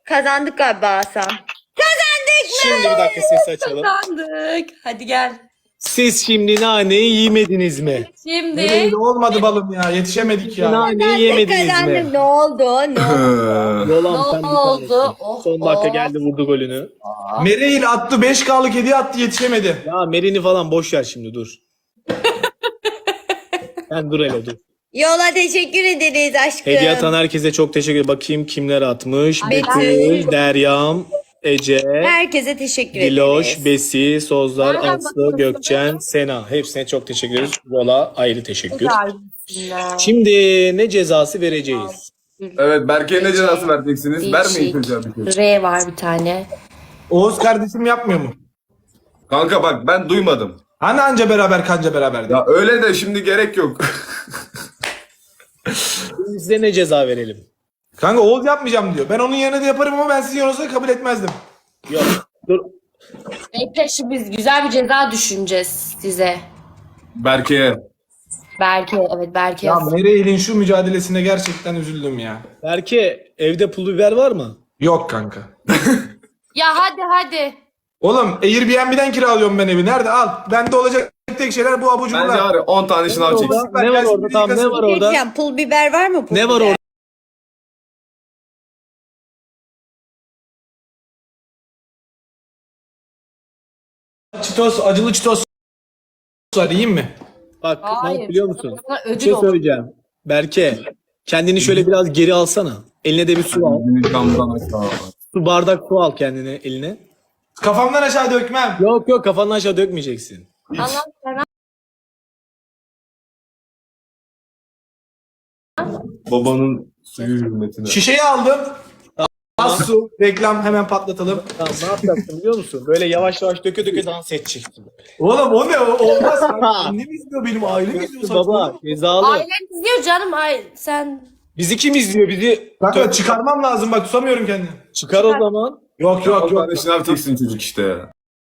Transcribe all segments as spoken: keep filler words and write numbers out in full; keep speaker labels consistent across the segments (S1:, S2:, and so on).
S1: Kazandık galiba Hasan. Kazandık mı?
S2: Şimdi bir dakika ses açalım.
S3: Kazandık. Hadi gel.
S2: Siz şimdi naneyi yemediniz mi?
S3: Şimdi
S4: Nereye olmadı balım ya. Yetişemedik ya.
S2: Naneyi yemediniz
S1: Kazandık.
S2: mi?
S1: Ne oldu? Ne oldu?
S2: Yolan
S3: Ne
S2: sen bir
S3: oldu?
S2: tanesin.
S3: Oh,
S2: Son dakika
S3: oh.
S2: geldi vurdu golünü.
S4: Mereil attı beş K'lık hediye attı yetişemedi.
S2: Ya Merin'i falan boş ver şimdi dur. Sen dur hele dur.
S1: Yola teşekkür ederiz aşkım.
S2: Hediye atan herkese çok teşekkür ederim. Bakayım kimler atmış.
S1: Betül.
S2: Betül, Deryam, Ece,
S1: Herkese teşekkür
S2: Diloş,
S1: ederiz.
S2: Besi, Sozlar,
S3: Nereden
S2: Aslı,
S3: bakıyorsun?
S2: Gökçen, Sena. Hepsine çok teşekkür ederiz. Yola ayrı teşekkür.
S3: Güzel.
S2: Şimdi ne cezası vereceğiz?
S5: Evet, Berke'ye ne cezası vereceksiniz? Vermeyin çocuğa bir şey.
S3: R var bir tane.
S4: Oğuz kardeşim yapmıyor mu?
S5: Kanka bak ben duymadım.
S4: Hani anca beraber kanca beraber.
S5: Ya öyle de şimdi gerek yok.
S2: Size ne ceza verelim?
S4: Kanka Oğuz yapmayacağım diyor. Ben onun yerine de yaparım ama ben sizin yanınızda kabul etmezdim.
S2: Yok. Dur.
S3: Bekle şimdi biz güzel bir ceza düşüneceğiz size.
S5: Berke'ye.
S3: Berke, evet Berke.
S4: Ya Mereil'in şu mücadelesine gerçekten üzüldüm ya.
S2: Berke evde pul biber var mı?
S4: Yok kanka.
S3: Ya hadi hadi.
S4: Oğlum Airbnb'den kiralıyorum ben evi. Nerede? Al. Bende olacak tek şeyler bu abur
S5: Bence
S4: cuburlar.
S5: var ya on tane şınav
S2: Orada-
S5: çeksin.
S2: Ne var orada? Tamam ne var
S1: Ne
S2: orada?
S1: diyeceğim? Pul biber var mı? Pul
S2: Ne var
S1: biber?
S2: orada?
S4: Çitos, acılı çitos var. Yiyeyim mi?
S2: Bak ne
S3: Hayır.
S2: yap biliyor musun?
S3: Sana
S2: Bir
S3: ödül
S2: şey
S3: olur.
S2: söyleyeceğim. Berke kendini şöyle biraz geri alsana. Eline de bir su al.
S5: Beni camdan aşağı.
S2: Su bardak su al kendine eline.
S4: Kafamdan aşağı dökmem.
S2: Yok yok kafanı aşağı dökmeyeceksin.
S3: Allah sana.
S5: Babanın suyu hürmetine.
S4: Şişeyi aldım. Az su. Reklam hemen patlatalım.
S2: Tamam ne yapacaksın biliyor musun? Böyle yavaş yavaş döke döke dans edeceksin.
S4: Oğlum o ne? O olmaz. Annem izliyor benim. Ailem izliyor.
S2: Baba cezalı.
S3: Ailen izliyor canım. Ay sen.
S2: Bizi kim izliyor bizi?
S4: Kanka çıkarmam lazım bak tutamıyorum kendimi.
S2: Çıkar o zaman.
S4: Yok
S5: on
S4: yok yok.
S5: tane şınav çeksin çocuk işte ya.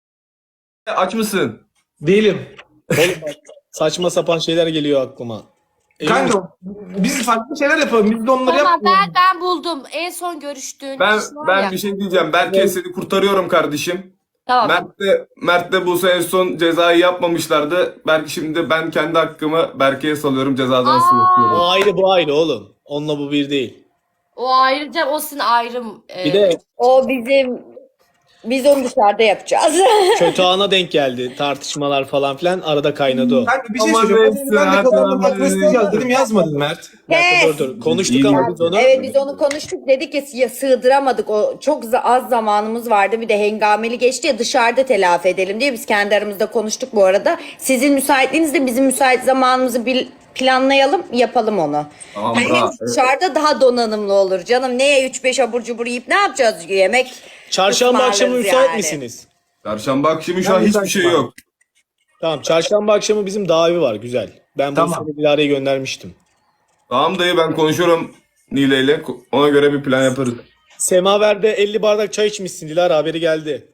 S5: Aç mısın?
S4: Değilim.
S2: Oğlum bak, saçma sapan şeyler geliyor aklıma. Emin misin?
S4: Kanka biz farklı şeyler yapalım. Biz de onları
S3: Tamam
S4: yapmayalım.
S3: ben ben buldum. En son görüştüğün
S5: Ben
S3: kişi var
S5: ben
S3: ya.
S5: bir şey diyeceğim. Berke seni kurtarıyorum kardeşim.
S3: Tamam.
S5: Mert de, Mert de bu en son cezayı yapmamışlardı. Belki şimdi ben kendi hakkımı Berke'ye salıyorum cezadan sınıflıyorum.
S2: O ayrı bu ayrı oğlum. Onunla bu bir değil.
S3: O ayrıca o sizin ayrım. e,
S2: Bir de
S1: O bizim... Biz onu dışarıda yapacağız.
S2: kötü ana denk geldi. Tartışmalar falan filan arada kaynadı o.
S4: Kanka bir şey
S5: Aman
S4: söyleyeceğim.
S5: neyse,
S4: Ben de
S5: hadi
S4: kafamda
S5: aman
S4: takma isteyeceğiz dedim yazmadın Mert.
S2: Bir dakika,
S1: Kes.
S2: dur dur. Konuştuk
S5: İyi
S2: ama
S5: ya.
S2: biz onu.
S1: Evet biz onu konuştuk dedik ki ya sığdıramadık o çok za- az zamanımız vardı bir de hengameli geçti ya dışarıda telafi edelim diye biz kendi aramızda konuştuk bu arada. Sizin müsaitliğinizde bizim müsait zamanımızı bil- planlayalım yapalım onu.
S5: Tamam,
S1: Hani
S5: tamam.
S1: dışarıda daha donanımlı olur canım neye üç beş abur cubur yiyip ne yapacağız yemek
S2: Çarşamba akşamı
S1: ısmarlarız
S2: müsait
S1: yani.
S2: misiniz?
S5: Çarşamba akşamı şu an
S4: Ben
S5: hiçbir
S4: müsaitim
S5: şey
S4: abi.
S5: yok.
S2: Tamam çarşamba akşamı bizim davi var güzel. Ben
S4: Tamam.
S2: bu sene Dilara'yı göndermiştim.
S5: Tamam dayı ben konuşuyorum Nile ile. Ona göre bir plan yaparız.
S2: Semaver'de elli bardak çay içmişsin Dilara haberi geldi.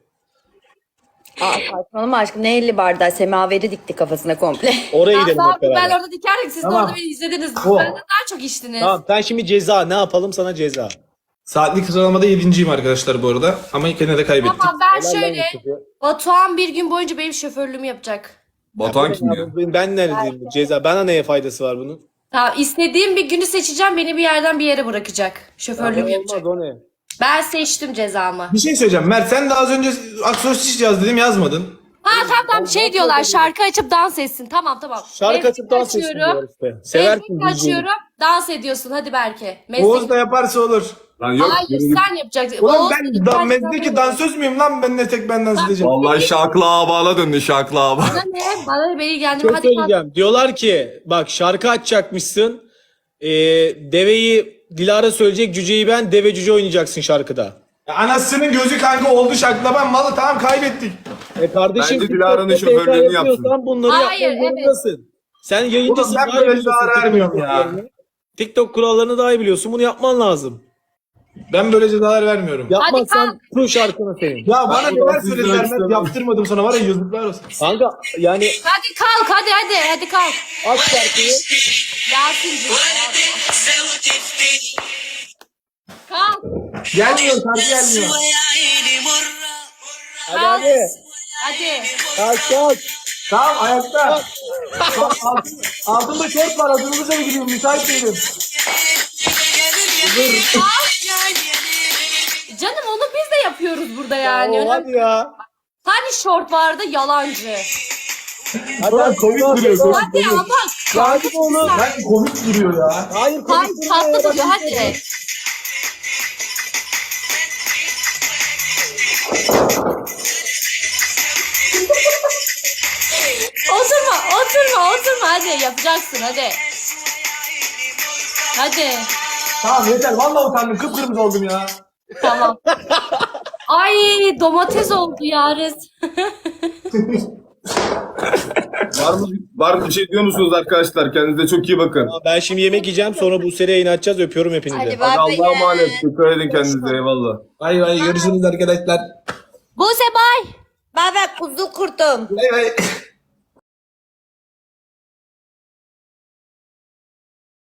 S1: Aa saçmalama aşkım ne elli bardağı semaveri dikti kafasına komple.
S2: Oraya
S3: Ya
S2: gidelim
S3: tamam,
S2: hep beraber.
S3: ben orada dikerdim. Siz
S4: Tamam.
S3: de orada beni izlediniz.
S4: O.
S3: Benden daha çok içtiniz.
S2: Tamam sen şimdi ceza ne yapalım sana ceza.
S4: Saatlik sıralamada yedinciyim arkadaşlar bu arada. Ama yine de kaybettim.
S3: Tamam ben
S2: Helal lan
S3: şöyle.
S2: Yusuf'u.
S3: Batuhan bir gün boyunca benim şoförlüğümü yapacak.
S5: Batuhan kim ya?
S2: Ben, ben neredeyim bu ceza? Bana neye faydası var bunun?
S3: Tamam istediğim bir günü seçeceğim. Beni bir yerden bir yere bırakacak. Şoförlüğümü yapacak.
S2: Olmaz o ne?
S3: Ben seçtim cezamı.
S4: Bir şey söyleyeceğim. Mert sen de az önce aksosis yaz dedim yazmadın.
S3: Ha tamam tamam şey diyorlar şarkı açıp dans etsin. Tamam tamam.
S2: Şarkı
S3: Meslek
S2: açıp dans etsin
S3: açıyorum.
S2: diyor işte. Seversin
S3: Meslek
S2: bildiğini.
S3: açıyorum. Dans ediyorsun hadi Berke. Meslek...
S4: Oğuz da yaparsa olur.
S5: Lan yok.
S3: Hayır
S5: yürü git.
S3: sen yapacaksın.
S4: Ulan
S3: Oğuz
S4: ben
S3: dedi,
S4: da,
S3: ben
S4: mezdeki
S3: yapamıyorum.
S4: dansöz müyüm lan ben ne tek ben dans edeceğim.
S5: Vallahi şaklı ağabala döndü şaklı ağabala.
S3: Bana ne? Bana ne? Beni ilgilendirme.
S2: Çok
S3: Hadi kalk.
S2: söyleyeceğim. Diyorlar ki bak şarkı açacakmışsın. Ee, deveyi Dilara söyleyecek, cüceyi ben, deve cüce oynayacaksın şarkıda.
S4: Ya anasının gözü kanka oldu şakla ben malı tamam kaybettik.
S2: E kardeşim
S5: Bence Dilara'nın
S2: TikTok'ta
S5: şoförlüğünü
S2: P K yapıyorsan bunları
S3: Hayır,
S2: yapmak
S3: evet.
S2: zorundasın. Sen yayıncısın.
S4: Oğlum ben
S2: daha iyi
S4: böyle
S2: biliyorsun
S4: ceza
S2: TikTok
S4: vermiyorum ya.
S2: kurallarını. TikTok kurallarını daha iyi biliyorsun. Bunu yapman lazım.
S4: Ben böyle cezalar vermiyorum. Ya,
S2: Yapmazsan bu şarkını senin.
S4: bana
S5: Ben
S4: neler
S5: buradan
S4: söylediler
S5: izlemek
S4: Mert
S5: istemem.
S4: yaptırmadım sana var ya yazıklar olsun.
S2: Kanka yani
S3: Hadi kalk hadi hadi hadi kalk.
S2: aç şarkıyı.
S3: Yasin'cim. Kalk.
S4: Gelmiyor şarkı gelmiyor.
S2: Hadi hadi.
S3: Hadi.
S2: Kalk kalk.
S4: Tamam ayakta. Bak, altın, altında şort var. Hazırlıkla mı gidiyorum? Müsait değilim.
S3: Canım onu biz de yapıyoruz burada yani.
S2: Ya, hadi ya.
S3: Hani şort vardı yalancı.
S2: Hadi
S4: Ulan
S2: hadi.
S4: komik
S2: Hadi,
S4: duruyor,
S2: hadi.
S3: Hadi ama
S2: Hadi oğlum.
S4: Ben komik duruyor ya.
S2: Hayır
S3: Hayır
S2: komik
S3: tatlı
S2: durma ya.
S3: duruyor hadi. Oturma oturma oturma hadi yapacaksın hadi. Hadi.
S4: Tamam yeter. Vallahi utandım. Kıpkırmızı oldum ya.
S3: Tamam. Ay domates oldu Yariz.
S5: Var mı, var mı bir şey diyor musunuz arkadaşlar? Kendinize çok iyi bakın.
S2: Ben şimdi yemek yiyeceğim sonra bu seri yayın açacağız. Öpüyorum hepinizi.
S1: Hadi
S5: Hadi
S1: bay bay.
S5: Allah'a emanet. Dikkat edin kendinize. Eyvallah.
S4: Bay bay. Görüşürüz arkadaşlar.
S3: Buse bay.
S1: Bay bay kuzu kurtum.
S4: Bay bay.